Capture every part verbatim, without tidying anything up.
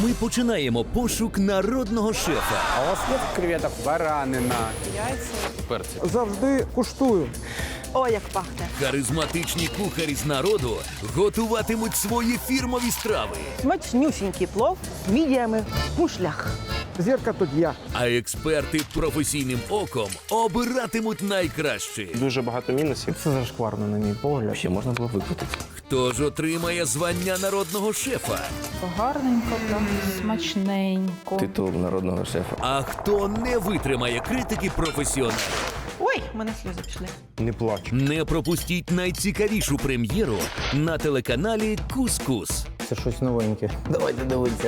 ми починаємо пошук народного шефа. А у вас є креветок? Баранина. Перці. Завжди куштую. О, як пахне. Харизматичні кухарі з народу готуватимуть свої фірмові страви. Смачнюсінький плов з мідіями в мушлях. Зірка тут я. А експерти професійним оком обиратимуть найкраще. Дуже багато мінусів. Це зашкварно, на мій погляд. Ще можна було викрутити. Хто ж отримає звання народного шефа? Гарненько, там, смачненько. Титул народного шефа. А хто не витримає критики професіоналів? Ой, в мене сльози пішли. Не плач. Не пропустіть найцікавішу прем'єру на телеканалі Кус-Кус. Це щось новеньке. Давайте дивитися.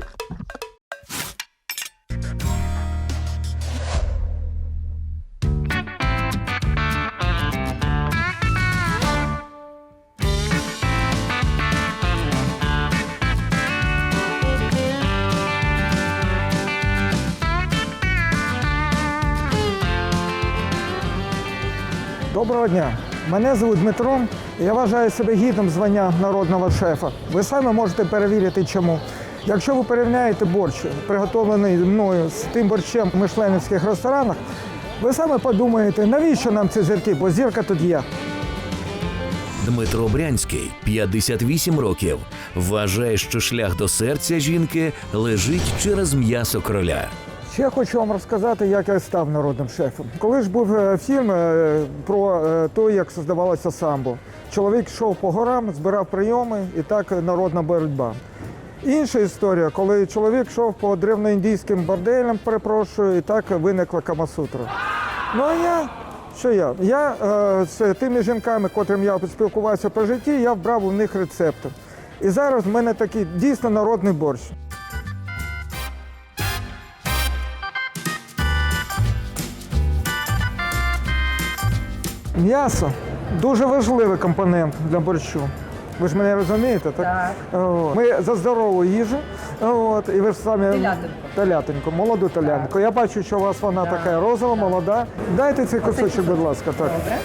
Доброго дня. Мене звуть Дмитро. Я вважаю себе гідним звання народного шефа. Ви самі можете перевірити, чому. Якщо ви порівняєте борщ, приготовлений мною з тим борщем в мишленівських ресторанах, ви саме подумаєте, навіщо нам ці зірки, бо зірка тут є. Дмитро Брянський, п'ятдесят вісім років, вважає, що шлях до серця жінки лежить через м'ясо кроля. Ще хочу вам розказати, як я став народним шефом. Коли ж був е, фільм е, про е, те, як создавалося самбо. Чоловік йшов по горам, збирав прийоми, і так народна боротьба. Інша історія, коли чоловік йшов по древноіндійським борделям, перепрошую, і так виникла Камасутра. Ну а я, що я? Я е, з тими жінками, котрим я спілкувався по житті, я вбрав у них рецепти. І зараз в мене такий дійсно народний борщ. М'ясо – дуже важливий компонент для борщу. Ви ж мене розумієте, так? Так. От. Ми за здорову їжу, от, і ви ж самі… Телятинку. Телятинку, молоду телятинку. Я бачу, що у вас вона така розова, молода. Дайте цей кусочок, будь ласка. Так. Добре.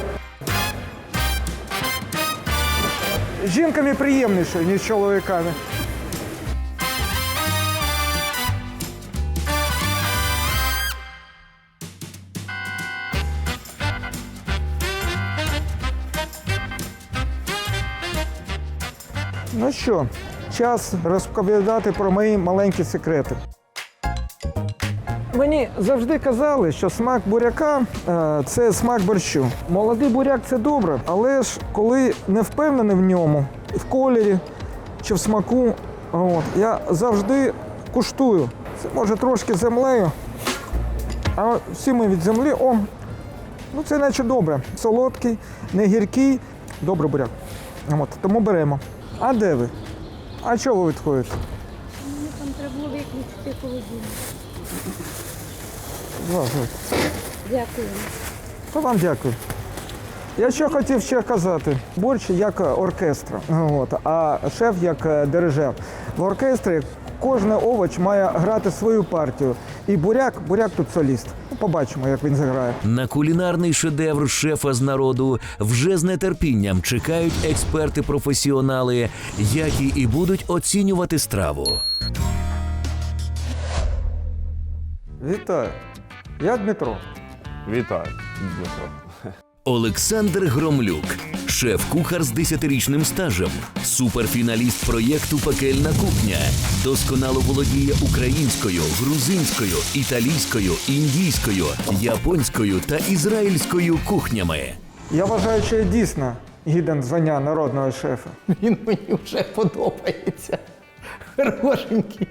З жінками приємніше, ніж з чоловіками. Ну що, час розповідати про мої маленькі секрети. Мені завжди казали, що смак буряка е, – це смак борщу. Молодий буряк – це добре, але ж коли не впевнений в ньому, в кольорі чи в смаку, от, я завжди куштую. Це може трошки землею, а всі ми від землі, о, ну це наче добре. Солодкий, не гіркий, добрий буряк. От, тому беремо. А де ви? А чого ви відходите? Мені там треба було виключити холодильник. Дякую. То вам дякую. Я що хотів ще казати. Борщ як оркестр, от, а шеф як дирижер. В оркестрі кожен овоч має грати свою партію. І буряк, буряк тут соліст. Ну, побачимо, як він заграє. На кулінарний шедевр шефа з народу вже з нетерпінням чекають експерти-професіонали, які і будуть оцінювати страву. Вітаю. Я Дмитро. Вітаю, Дмитро. Олександр Громлюк, шеф-кухар з десятирічним стажем, суперфіналіст проєкту «Пекельна кухня». Досконало володіє українською, грузинською, італійською, індійською, японською та ізраїльською кухнями. Я вважаю, що я дійсно гіден звання народного шефа. Він мені вже подобається. Хорошенький.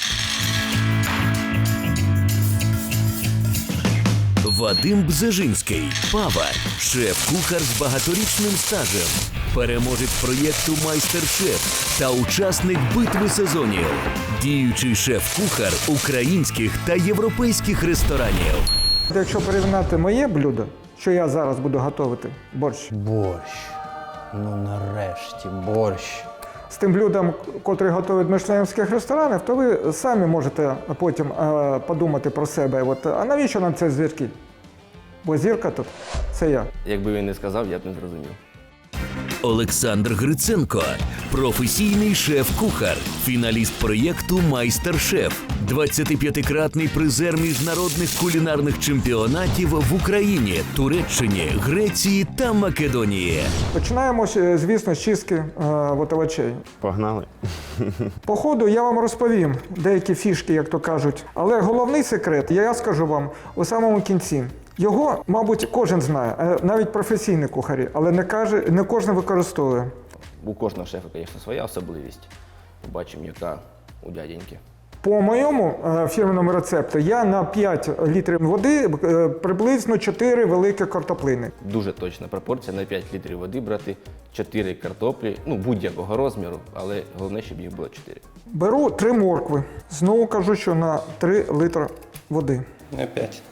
Вадим Бзежинський, повар, шеф-кухар з багаторічним стажем, переможець проєкту «Майстер-шеф» та учасник битви сезонів, діючий шеф-кухар українських та європейських ресторанів. Якщо порівняти моє блюдо, що я зараз буду готувати, борщ, Борщ. Ну нарешті, борщ. з тим блюдом, котрий готують в мишленівських ресторанах, то ви самі можете потім е, подумати про себе. От, а навіщо нам ці зірки? Бо зірка тут – це я. Якби він не сказав, я б не зрозумів. Олександр Гриценко, професійний шеф-кухар, фіналіст проєкту «Майстер-шеф», двадцятип'ятикратний призер міжнародних кулінарних чемпіонатів в Україні, Туреччині, Греції та Македонії. Починаємо, е, звісно, з чистки е, овочей. Погнали. По ходу я вам розповім деякі фішки, як то кажуть. Але головний секрет я скажу вам у самому кінці. Його, мабуть, кожен знає, е, навіть професійні кухарі, але не, каже, не кожен використовує. У кожного шефа, звісно, своя особливість. Побачимо, яка у дяденьки. По моєму е, фірменному рецепту я на п'ять літрів води е, приблизно чотири великі картоплини. Дуже точна пропорція. На п'ять літрів води брати чотири картоплі, ну будь-якого розміру, але головне, щоб їх було чотири. Беру три моркви. Знову кажу, що на три літри води. На п'ять.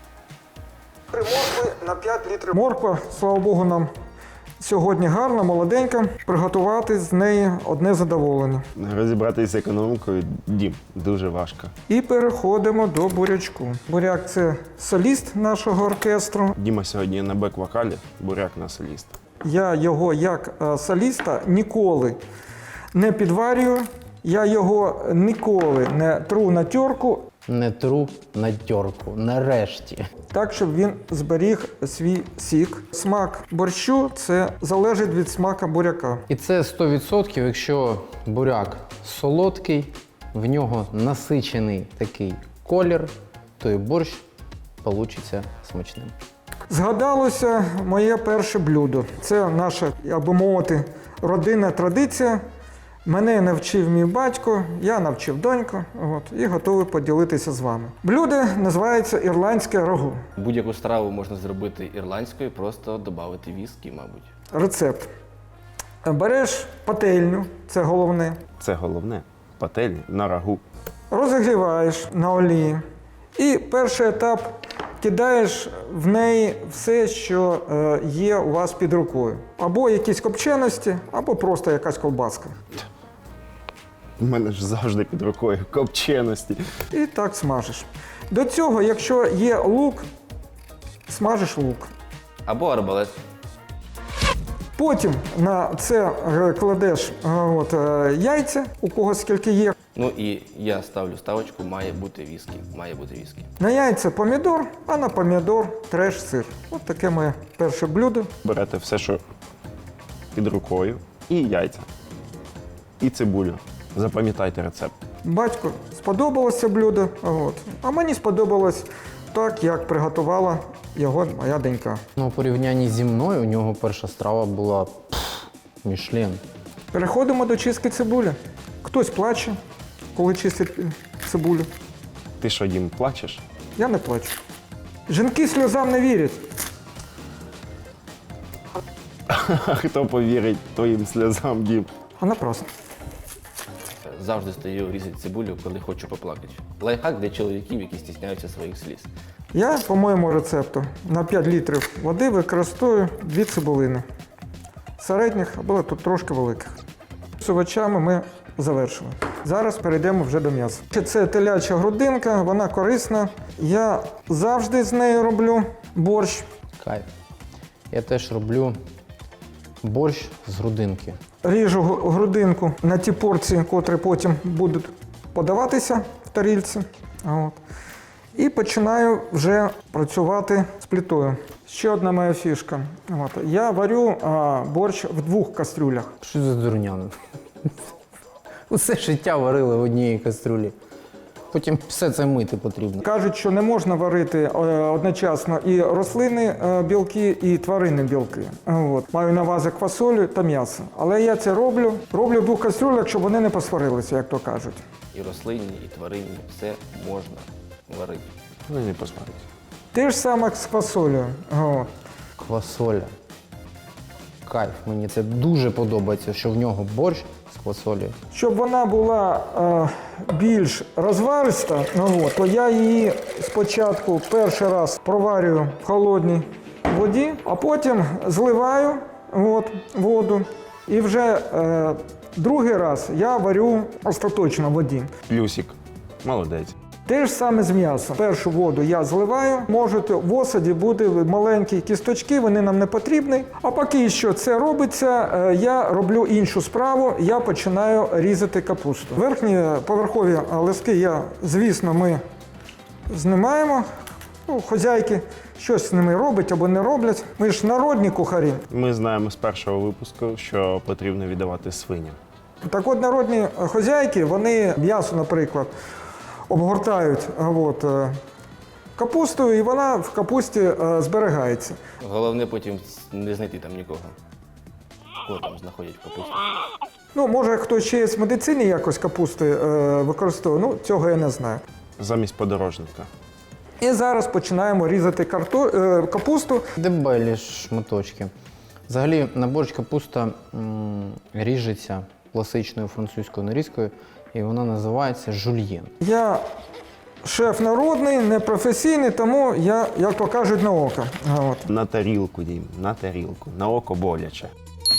Три моркви на п'ять літрів. Морква, слава Богу, нам сьогодні гарна, молоденька. Приготувати з неї одне задоволення. Розібратися з економікою, Дім, дуже важко. І переходимо до бурячку. Буряк – це соліст нашого оркестру. Діма сьогодні на бек-вокалі, буряк на соліст. Я його як е, соліста ніколи не підварюю, я його ніколи не тру на терку, Не тру на тьорку. Нарешті. так, щоб він зберіг свій сік. Смак борщу – це залежить від смака буряка. І це сто відсотків, якщо буряк солодкий, в нього насичений такий колір, то і борщ получиться смачним. Згадалося моє перше блюдо. Це наша, як би мовити, родинна традиція. Мене навчив мій батько, я навчив доньку, от, і готовий поділитися з вами. Блюдо називається ірландське рагу. Будь-яку страву можна зробити ірландською, просто додати віскі, мабуть. Рецепт. Береш пательню, це головне, Це головне. Пательні на рагу. розігріваєш на олії. І перший етап кидаєш в неї все, що е, є у вас під рукою. Або якісь копченості, або просто якась колбаска. У мене ж завжди під рукою копченості. І так смажиш. До цього, якщо є лук, смажиш лук. Або арбалет. Потім на це е, кладеш е, от, е, яйця, у кого скільки є. Ну і я ставлю ставочку, має бути віскі. Має бути віскі. На яйця помідор, а на помідор треш сир. От таке моє перше блюдо. Берете все, що під рукою, і яйця, і цибулю. Запам'ятайте рецепт. Батьку сподобалося блюдо, от. А мені сподобалось так, як приготувала його моя донька. Ну, у порівнянні зі мною у нього перша страва була пф, Мішлен. Переходимо до чистки цибулі. Хтось плаче, коли чистить е, цибулю. Ти що, Дім, плачеш? Я не плачу. Жінки сльозам не вірять. А хто повірить твоїм сльозам, Дім? А напрасно. Завжди стою різати цибулю, коли хочу поплакати. Лайфхак для чоловіків, які стісняються своїх сліз. Я, по моєму рецепту, на п'ять літрів води використовую дві цибулини. Середніх або тут трошки великих. З овочами ми завершили. Зараз перейдемо вже до м'яса. Це теляча грудинка, вона корисна. Я завжди з нею роблю борщ. Кайф. Я теж роблю борщ з грудинки. Ріжу гру- грудинку на ті порції, котрі потім будуть подаватися в тарільці. От. І починаю вже працювати з плитою. Ще одна моя фішка. От. Я варю а, борщ в двох кастрюлях. Що за дурняна? Усе життя варили в одній кастрюлі. Потім все це мити потрібно. Кажуть, що не можна варити е, одночасно і рослинні е, білки, і тваринні білки. От. Маю на увазі квасолю та м'ясо. Але я це роблю. Роблю в двох кастрюлях, щоб вони не посварилися, як то кажуть. І рослинні, і тваринні, все можна варити. Вони не посмотрять. Те ж саме з квасолею. От. Квасоля. Кайф. Мені це дуже подобається, що в нього борщ з квасолею. Щоб вона була е, більш розвариста, ну, от, то я її спочатку перший раз проварюю в холодній воді, а потім зливаю от, воду. І вже е, другий раз я варю остаточно в воді. Плюсик. Молодець. Те ж саме з м'ясом. Першу воду я зливаю, можуть в осаді бути маленькі кісточки, вони нам не потрібні. А поки що це робиться, е, я роблю іншу справу, я починаю різати капусту. Верхні поверхові листки я, звісно, ми знімаємо. Ну, хозяйки щось з ними роблять або не роблять. Ми ж народні кухарі. Ми знаємо з першого випуску, що потрібно віддавати свиням. Так от народні хозяйки, вони м'ясо, наприклад, обгортають от, е, капустою, і вона в капусті е, зберігається. Головне потім не знайти там нікого. Кого там знаходять в капусті. Ну, може, хтось ще в медицині якось капусти е, використовує, ну, цього я не знаю. Замість подорожника. І зараз починаємо різати карто, е, капусту. Дебелі шматочки. Взагалі, на борщ капуста м, ріжеться класичною французькою нарізкою, і вона називається жульєн. Я шеф народний, не професійний, тому я, як то кажуть, на око. От. На тарілку, Дім, на тарілку. На око боляче.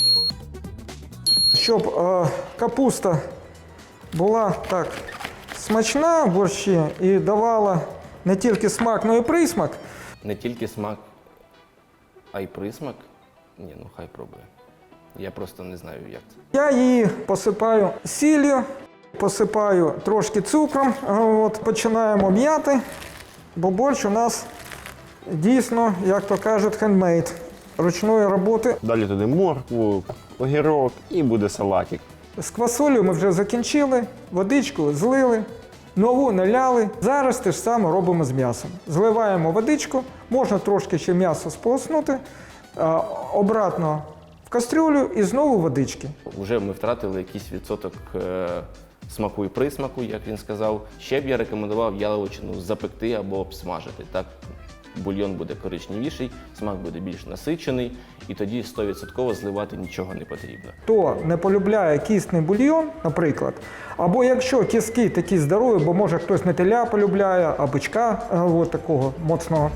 Щоб е, капуста була так смачна в борщі і давала не тільки смак, але й присмак. Не тільки смак, а й присмак. Ні, ну хай пробує. Я просто не знаю, як це. Я її посипаю сіллю, посипаю трошки цукром, от, починаємо м'яти, бо борщ у нас дійсно, як то кажуть, хендмейд, ручної роботи. Далі туди моркву, огірок і буде салатик. З квасолею ми вже закінчили, водичку злили, нову наляли. Зараз те ж саме робимо з м'ясом. Зливаємо водичку, можна трошки ще м'ясо сполоснути, а, обратно в кастрюлю і знову водички. Вже ми втратили якийсь відсоток е, смаку і присмаку, як він сказав. Ще б я рекомендував яловичину запекти або обсмажити. Так бульйон буде коричневіший, смак буде більш насичений, і тоді сто відсотків зливати нічого не потрібно. Хто не полюбляє кістний бульйон, наприклад, або якщо кістки такі здорові, бо може хтось не теля полюбляє, а бичка а, от такого моцного,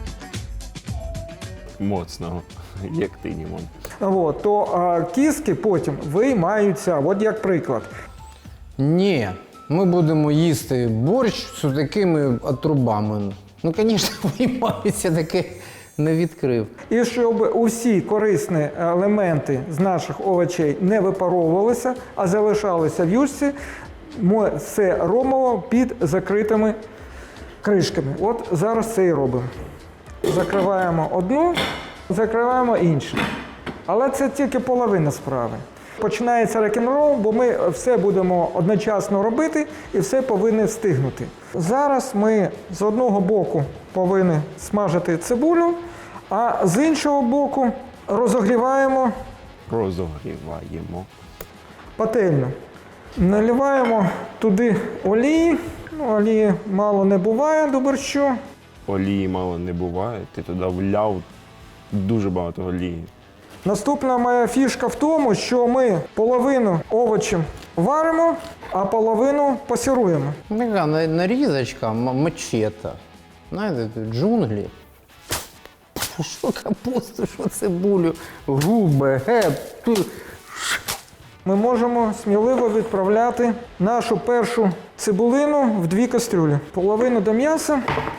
Моцного, як ти, Дімон. от, то а, кістки потім виймаються. От як приклад. Ні, ми будемо їсти борщ з такими отрубами. Ну, звісно, виймаються, таке не відкрив. І щоб усі корисні елементи з наших овочей не випаровувалися, а залишалися в юшці, ми все робимо під закритими кришками. От зараз це і робимо. Закриваємо одну, закриваємо іншу. Але це тільки половина справи. Починається рок-н-рол, бо ми все будемо одночасно робити і все повинні встигнути. Зараз ми з одного боку повинні смажити цибулю, а з іншого боку розогріваємо Розогріваємо. пательню. Наливаємо туди олії. Ну, олії мало не буває до борщу. Олії мало не буває, ти туди вляв дуже багато олії. Наступна моя фішка в тому, що ми половину овочів варимо, а половину пасіруємо. Така на- нарізочка, м- мачета. Знаєте, тут джунглі. Що капусту, що цибулю, губи, геп. ту. Ми можемо сміливо відправляти нашу першу цибулину в дві кастрюлі. Половину до м'яса,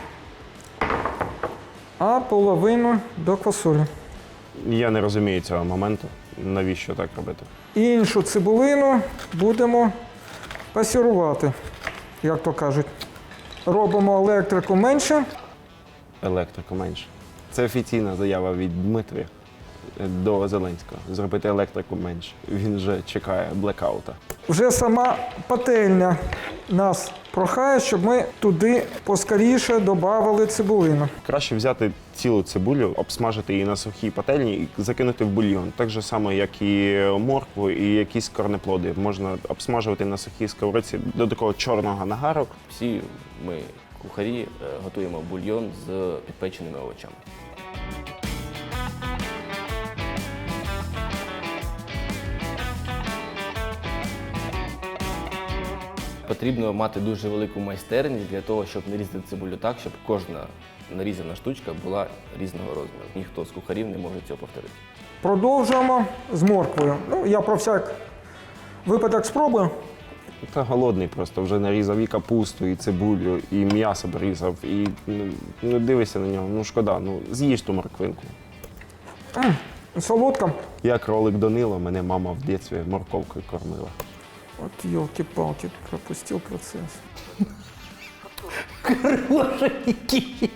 а половину до квасолі. Я не розумію цього моменту, навіщо так робити. Іншу цибулину будемо пасірувати, як то кажуть. Робимо електрику менше. Електрику менше. Це офіційна заява від Дмитрія до Зеленського. Зробити електрику менше. Він вже чекає блекаута. Вже сама пательня нас прохає, щоб ми туди поскоріше додавали цибулину. Краще взяти цілу цибулю, обсмажити її на сухій пательні і закинути в бульйон. Так же само, як і моркву і якісь корнеплоди. Можна обсмажувати на сухій сковорідці до такого чорного нагару. Всі ми, кухарі, е, готуємо бульйон з підпеченими овочами. Потрібно мати дуже велику майстерність для того, щоб нарізати цибулю так, щоб кожна нарізана штучка була різного розміру. Ніхто з кухарів не може цього повторити. Продовжуємо з морквою. Ну, я про всяк випадок спробую. Та голодний просто, вже нарізав і капусту, і цибулю, і м'ясо порізав, і ну, ну, дивишся на нього, ну шкода, ну з'їж ту морквинку. Солодка. Я кролик Данило, мене мама в дитинстві морковкою кормила. От йолки-палки, пропустив процес. Хорошенький.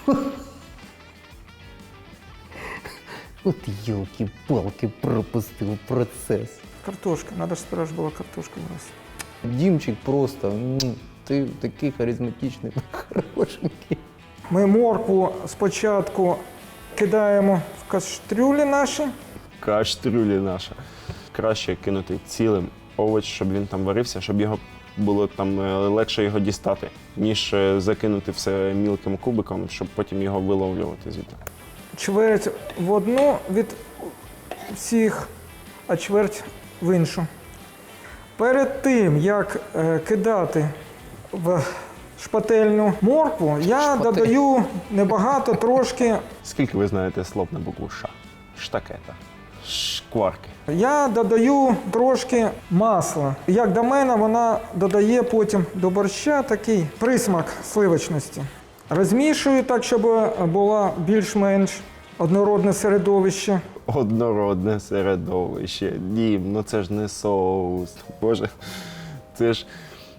От елки-палки, пропустив процес. Картошка, треба ж спершу була картошка у нас. Дімчик просто, м, ти такий харизматичний, хорошенький. Ми моркву спочатку кидаємо в кастрюлі наші. Каштрюлі наша. Краще кинути цілим овоч, щоб він там варився, щоб його було там е, легше його дістати, ніж е, закинути все мілким кубиком, щоб потім його виловлювати звідти. Чверть в одну від всіх, а чверть в іншу. Перед тим, як е, кидати в шпательну моркву, я Шпатель. додаю небагато, трошки. Скільки ви знаєте слов на букву Ш? Штакета, шкварки. Я додаю трошки масла. Як до мене, вона додає потім до борща такий присмак сливочності. Розмішую так, щоб було більш-менш однородне середовище. Однородне середовище. Дім, ну це ж не соус. Боже, це ж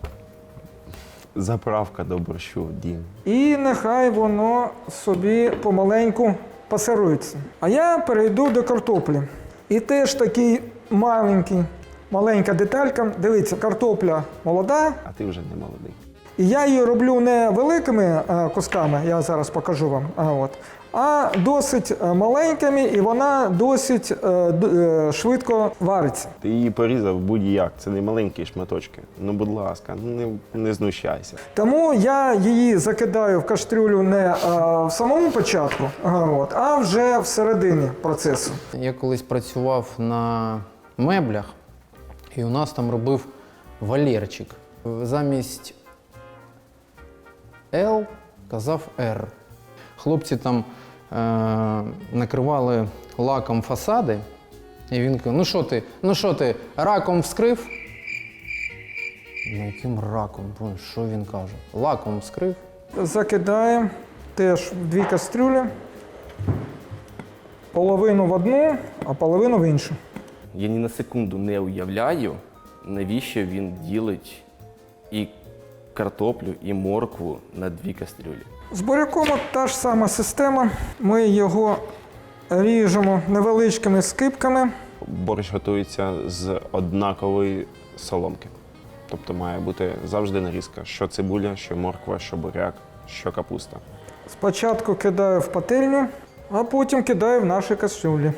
заправка до борщу, Дім. І нехай воно собі помаленьку пасирується. А я перейду до картоплі. І теж такий маленький, маленька деталька. Дивіться, картопля молода. А ти вже не молодий. І я її роблю не великими е, кусками, я зараз покажу вам, а, от, а досить е, маленькими, і вона досить е, д- е, швидко вариться. Ти її порізав будь-як, це не маленькі шматочки. Ну, будь ласка, ну не, не знущайся. Тому я її закидаю в кастрюлю не е, в самому початку, а, от, а вже в середині процесу. Я колись працював на меблях, і у нас там робив Валерчик. Замість L казав R. Хлопці там е- накривали лаком фасади, і він каже: ну що ти, ну що ти, раком вскрив? Ну яким раком? Боже, що він каже? Лаком вскрив? Закидаємо теж в дві кастрюлі, половину в одну, а половину в іншу. Я ні на секунду не уявляю, навіщо він ділить і картоплю, і моркву на дві кастрюлі. З буряком от та ж сама система. Ми його ріжемо невеличкими скибками. Борщ готується з однакової соломки. Тобто має бути завжди нарізка, що цибуля, що морква, що буряк, що капуста. Спочатку кидаю в пательню, а потім кидаю в наші кастрюлі.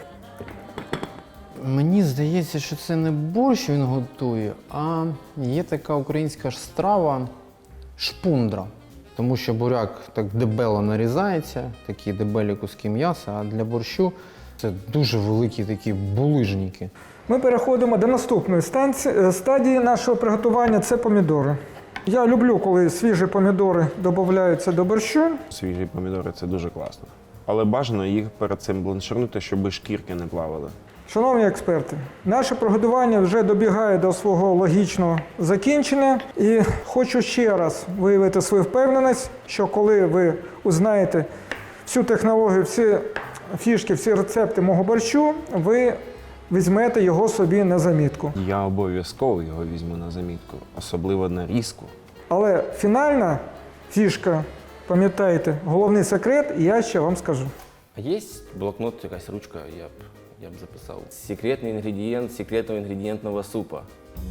Мені здається, що це не борщ він готує, а є така українська ж страва шпундра. Тому що буряк так дебело нарізається, такі дебелі куски м'яса, а для борщу це дуже великі такі булижники. Ми переходимо до наступної станції, стадії нашого приготування – це помідори. Я люблю, коли свіжі помідори додаються до борщу. Свіжі помідори – це дуже класно. Але бажано їх перед цим бланширнути, щоб шкірки не плавали. Шановні експерти, наше приготування вже добігає до свого логічного закінчення. І хочу ще раз виявити свою впевненість, що коли ви узнаєте всю технологію, всі фішки, всі рецепти мого борщу, ви візьмете його собі на замітку. Я обов'язково його візьму на замітку, особливо нарізку. Але фінальна фішка, пам'ятайте, головний секрет, я ще вам скажу. А є блокнот, якась ручка, я б, я б записав. Секретний інгредієнт секретного інгредієнтного супа.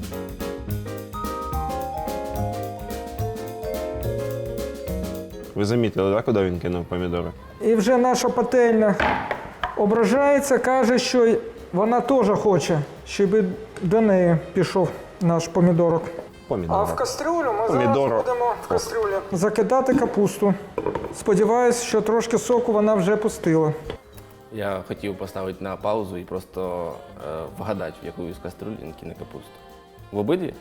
Ви замітили, так, куди він кинув помідори? І вже наша пательня ображається, каже, що вона теж хоче, щоб і до неї пішов наш помідорок. Помідори. А в кастрюлю ми Помідоро. зараз будемо в кастрюлі закидати капусту. Сподіваюсь, що трошки соку вона вже пустила. Я хотів поставити на паузу і просто е, вгадати, в яку із каструль він кине капусту. В обидві?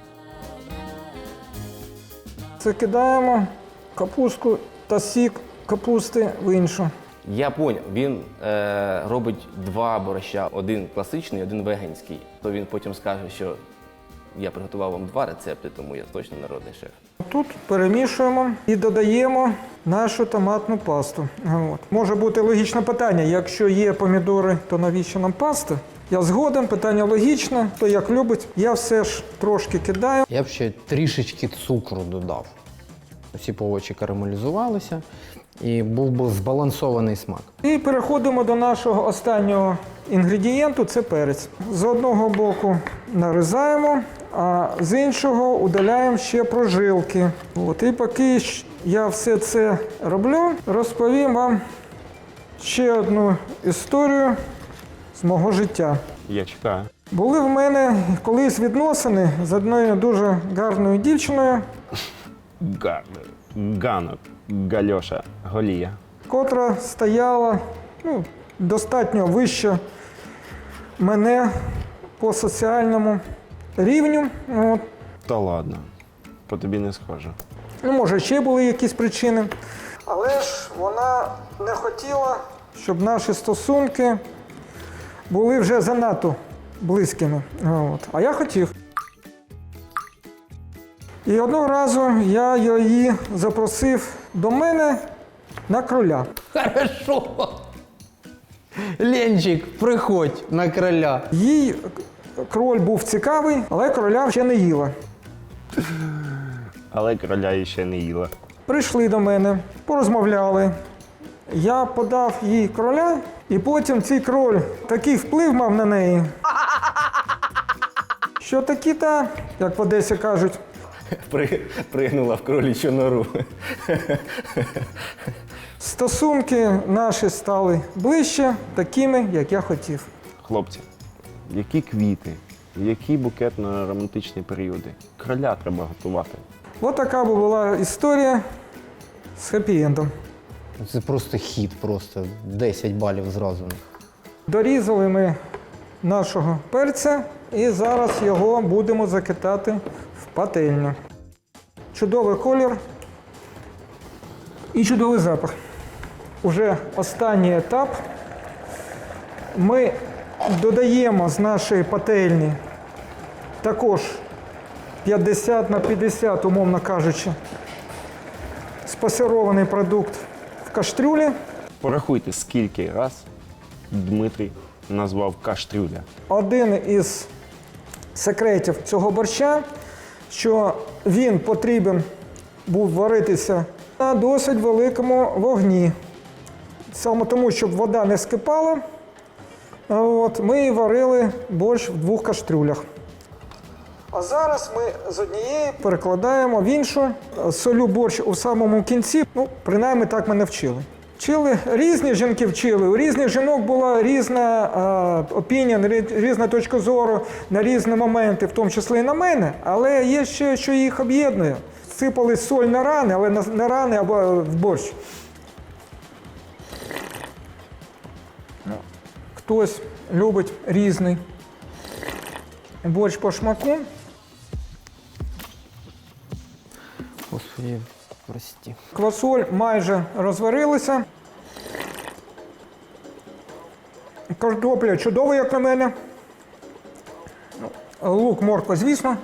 Закидаємо капустку та сік капусти в іншу. Я поняв, він е, робить два борща, один класичний, один веганський. То він потім скаже, що Я приготував вам два рецепти, тому я точно народний шеф. Тут перемішуємо і додаємо нашу томатну пасту. От. Може бути логічне питання, якщо є помідори, то навіщо нам паста? Я згоден, питання логічне, хто як любить. Я все ж трошки кидаю. Я б ще трішечки цукру додав. Всі овочі карамелізувалися і був би збалансований смак. І переходимо до нашого останнього інгредієнту – це перець. З одного боку нарізаємо, а з іншого удаляємо ще прожилки. От. І поки я все це роблю, розповім вам ще одну історію з мого життя. Я чекаю. Були в мене колись відносини з одною дуже гарною дівчиною, Гарно. Ганок. Гальоша. Голія. котра стояла ну, достатньо вище мене по соціальному рівню. От. Та ладно. По тобі не схоже. Ну, може, ще були якісь причини. Але ж вона не хотіла, щоб наші стосунки були вже занадто близькими. От. А я хотів. І одного разу я її запросив до мене на кроля. Хорошо. Ленчик, приходь на кроля. Їй кроль був цікавий, але кроля ще не їла. Але короля її ще не їла. Прийшли до мене, порозмовляли. Я подав їй кроля, і потім цей кроль такий вплив мав на неї, що такі-та, як в Одесі кажуть, При, пригнула в кролічу нору. стосунки наші стали ближче, такими, як я хотів. Хлопці, які квіти, які букетно-романтичні періоди. Кроля треба готувати. Ось така була історія з хеппі-ендом. Це просто хід, просто десять балів зразу. Дорізали ми нашого перця і зараз його будемо закидати в пательню. Чудовий колір і чудовий запах. Уже останній етап. Ми додаємо з нашої пательні також п'ятдесят на п'ятдесят, умовно кажучи, спасерований продукт в кастрюлі. Порахуйте, скільки раз Дмитрій назвав каштрюля. Один із секретів цього борща, що він потрібен був варитися на досить великому вогні. Саме тому, щоб вода не скипала, от, ми варили борщ в двох кастрюлях. А зараз ми з однієї перекладаємо в іншу, солю борщ у самому кінці. Ну, принаймні так мене вчили. Вчили, різні жінки вчили, у різних жінок була різна опінія, різна точка зору на різні моменти, в тому числі і на мене, але є ще, що їх об'єднує. Сипали соль на рани, але на рани або в борщ. Хтось любить різний борщ по шмаку. Господи, прости. Квасоль майже розварилася. Картопля чудова, як на мене. Лук, морква, звісно.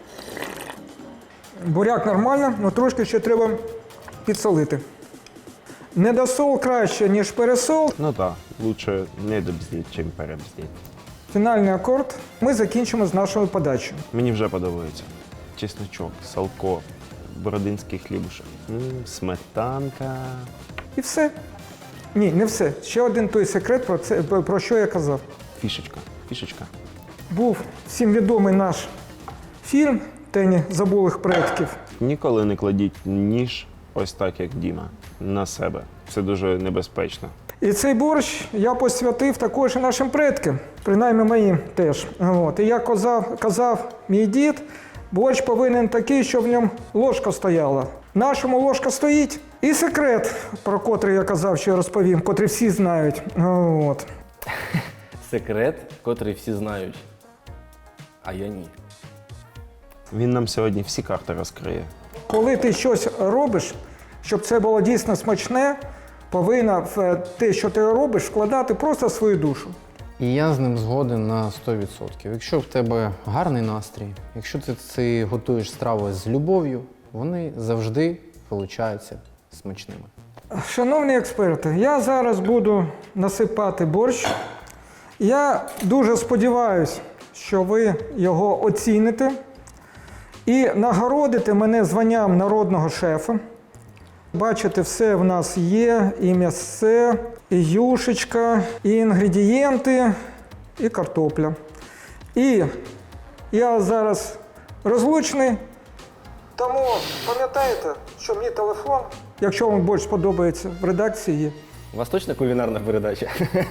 Буряк нормально, але трошки ще треба підсолити. Недосол краще, ніж пересол. Ну так, лучше не добздіть, чим перебздіть. Фінальний акорд. Ми закінчимо з нашою подачею. Мені вже подобається. Чесночок, салко, бородинський хлібушек, М, сметанка. І все. Ні, не все. Ще один той секрет, про, це, про що я казав. Фішечка, фішечка. Був всім відомий наш фільм «Тені забулих предків». Ніколи не кладіть ніж ось так, як Діма, на себе. Це дуже небезпечно. І цей борщ я посвятив також і нашим предкам, принаймні моїм теж. От. І як казав, казав мій дід, борщ повинен такий, щоб в ньому ложка стояла. В нашому ложка стоїть. І секрет, про котрий я казав, що я розповім, котрий всі знають. От. Секрет, котрий всі знають, а я ні. Він нам сьогодні всі карти розкриє. Коли ти щось робиш, щоб це було дійсно смачне, повинна в те, що ти робиш, вкладати просто свою душу. І я з ним згоден на сто відсотків. Якщо в тебе гарний настрій, якщо ти, ти готуєш страви з любов'ю, вони завжди получаються смачними. Шановні експерти, я зараз буду насипати борщ. Я дуже сподіваюся, що ви його оціните і нагородите мене званням народного шефа. Бачите, все в нас є, і м'ясце, і юшечка, і інгредієнти, і картопля. І я зараз розлучний, тому пам'ятайте, що мій телефон, якщо вам борщ сподобається, в редакції є. У вас точно кулінарна передача?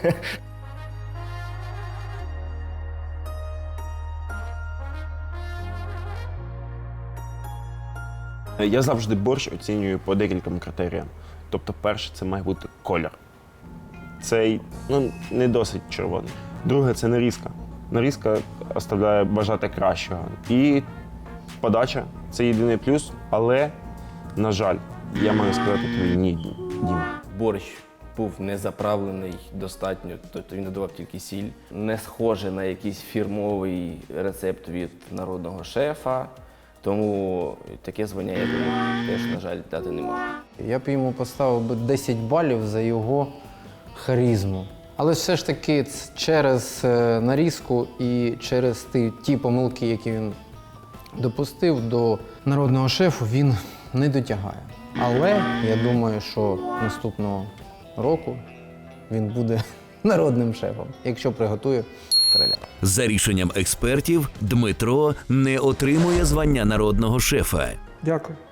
Я завжди борщ оцінюю по декільком критеріям. Тобто, перше, це має бути колір. Цей, ну, не досить червоний. Друге, це нарізка. Нарізка оставляє бажати кращого. І подача – це єдиний плюс, але, на жаль, я маю сказати тобі ні, Дім. Борщ був не заправлений достатньо, тобто він додавав тільки сіль. Не схоже на якийсь фірмовий рецепт від народного шефа. Тому таке звання я йому теж, на жаль, дати не можу. Я б йому поставив би десять балів за його харизму. Але все ж таки через е, нарізку і через ті, ті помилки, які він допустив, до народного шефу він не дотягає. Але я думаю, що наступного року він буде народним шефом, якщо приготує короля. За рішенням експертів, Дмитро не отримує звання народного шефа. Дякую.